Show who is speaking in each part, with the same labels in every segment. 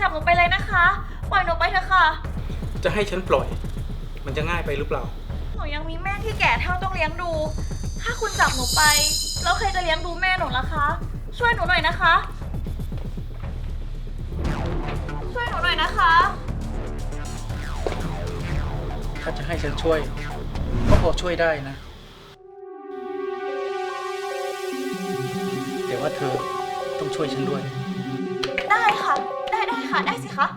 Speaker 1: บหนูไปเลยนะคะปล่อยหนูไปเถอะค่ะ
Speaker 2: จะให้ฉันปล่อยมันจะง่ายไปหรือเปล่า
Speaker 1: หนูยังมีแม่ที่แก่เท่าต้องเลี้ยงดูถ้าคุณจับหนูไปแล้วใครจะเลี้ยงดูแม่หนูล่ะคะช่วยหนูหน่อยนะคะช่วยหนูหน่อยนะคะ
Speaker 2: ถ้าจะให้ฉันช่วยก็พอช่วยได้นะแต่ว่าเธอต้องช่วยฉันด้วย
Speaker 1: ได้ค่ะได้ค่ะได้สิคะ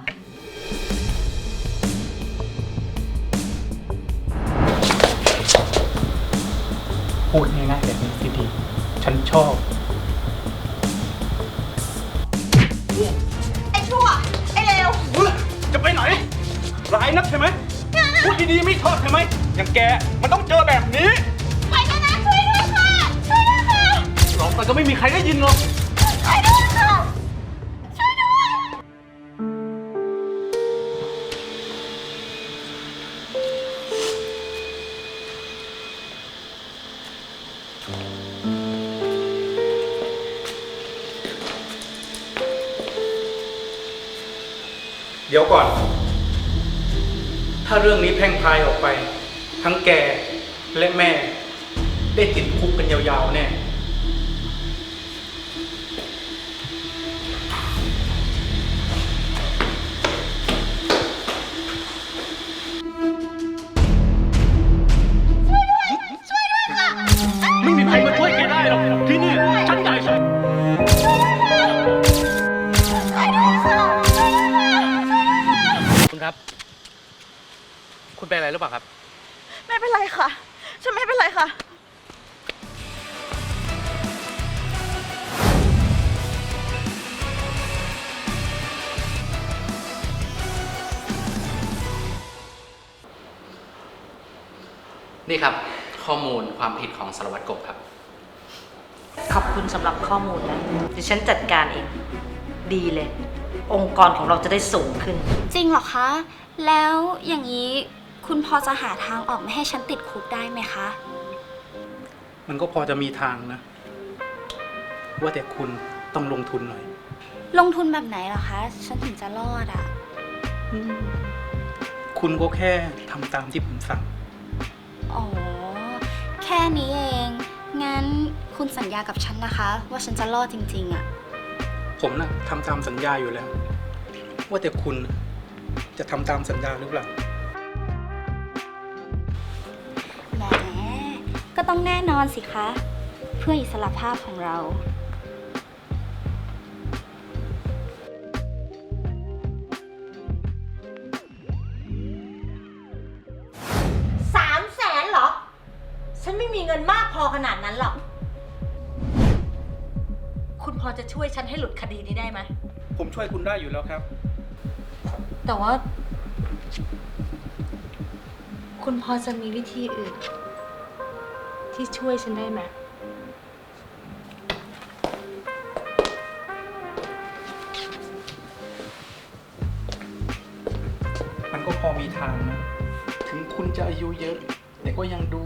Speaker 2: พูดง่ายๆแบบนี้สิดีฉันชอบ
Speaker 1: ไอ้ชั่วไอ้เลว
Speaker 2: จะไปไหนร้ายนักใช่ไหมพูดดีๆไม่ชอบใช่ไหมอย่างแกมันต้องเจอแบบนี้
Speaker 1: ไปกันนะช่วยด้วยค่ะช่วยด้วยค่ะ
Speaker 2: ร้องไปก็ไม่มีใครได้ยินหรอก
Speaker 1: ช่วยด้วยค่ะช่วยด้วย
Speaker 2: เดี๋ยวก่อนถ้าเรื่องนี้แพร่งพรายออกไปทั้งแกและแม่ได้ติดคุกกันยาวๆแน่ไม่มีใครมาช่วยแกได้หรอกที่นี่ฉันใหญ่สุดคุณครับคุณเป็นอะไรหรือเปล่าครับ
Speaker 1: ไม่เป็นไรค่ะฉันไม่เป็นไรค่ะ
Speaker 3: นี่ครับข้อมูลความผิดของสารวัตรกบครับ
Speaker 4: ขอบคุณสำหรับข้อมูลนะเดี๋ยวฉันจัดการเองดีเลยองค์กรของเราจะได้สูงขึ้น
Speaker 5: จริงเหรอคะแล้วอย่างนี้คุณพอจะหาทางออกไม่ให้ฉันติดคุกได้ไหมคะ
Speaker 2: มันก็พอจะมีทางนะว่าแต่คุณต้องลงทุนหน่อย
Speaker 5: ลงทุนแบบไหนเหรอคะฉันถึงจะรอดอ่ะ
Speaker 2: คุณก็แค่ทำตามที่ผมสั่ง
Speaker 5: อ๋อแค่นี้เองงั้นคุณสัญญากับฉันนะคะว่าฉันจะรอดจริงๆอ่ะ
Speaker 2: ผมน่ะทำตามสัญญาอยู่แล้วว่าแต่คุณจะทำตามสัญญาหรือเปล่า
Speaker 5: แหมก็ต้องแน่นอนสิคะเพื่ออิสรภาพของเรา
Speaker 4: 300,000เหรอฉันไม่มีเงินมากพอขนาดนั้นหรอกคุณพอจะช่วยฉันให้หลุดคดีนี้ได้ไหม
Speaker 2: ผมช่วยคุณได้อยู่แล้วครับ
Speaker 4: แต่ว่าคุณพอจะมีวิธีอื่นที่ช่วยฉันได้ไหม
Speaker 2: มันก็พอมีทางนะถึงคุณจะอายุเยอะแต่ก็ยังดู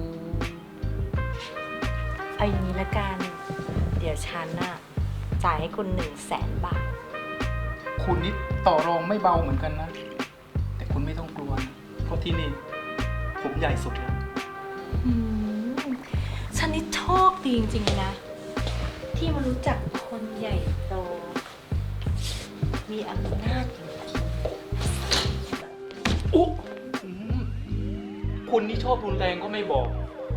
Speaker 4: เอาอย่างนี้ละกันเดี๋ยวฉันน่ะจ่ายให้คุณ100,000 บาท
Speaker 2: คุณนี่ต่อรองไม่เบาเหมือนกันนะแต่คุณไม่ต้องกลัวนะเพราะที่นี่ผมใหญ่สุดแล้ว
Speaker 4: ฉันนี่โชคดีจริงๆเลยนะที่มารู้จักคนใหญ่โตมีอำนาจจริง
Speaker 2: ๆอุ๊คุณนี่ชอบรุนแรงก็ไม่บอก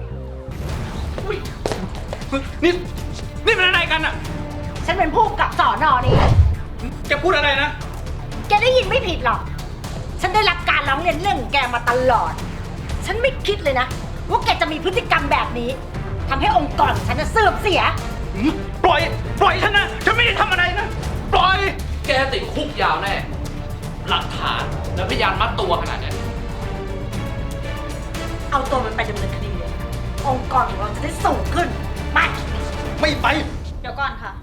Speaker 2: นี่เป็นอะไรกันอ่ะ
Speaker 4: ฉันเป็นผู้กำกับสน.นี่
Speaker 2: แกพูดอะไรนะ
Speaker 4: แกได้ยินไม่ผิดหรอกฉันได้รับการร้องเรียนเรื่องแกมาตลอดฉันไม่คิดเลยนะว่าแกจะมีพฤติกรรมแบบนี้ทำให้องค์กรของฉันเสื่อมเสีย
Speaker 2: ปล่อยฉันนะฉันไม่ได้ทำอะไรนะปล่อย
Speaker 3: แกติดคุกยาวแน่หลักฐานและพยานมัดตัวขนาดนี้
Speaker 4: เอาตัวมันไปดำเนินคดีเลยองค์กรของเราจะได้สูงขึ้นไป
Speaker 2: ไม่ไป
Speaker 1: เดี๋ยวก่อนค่ะ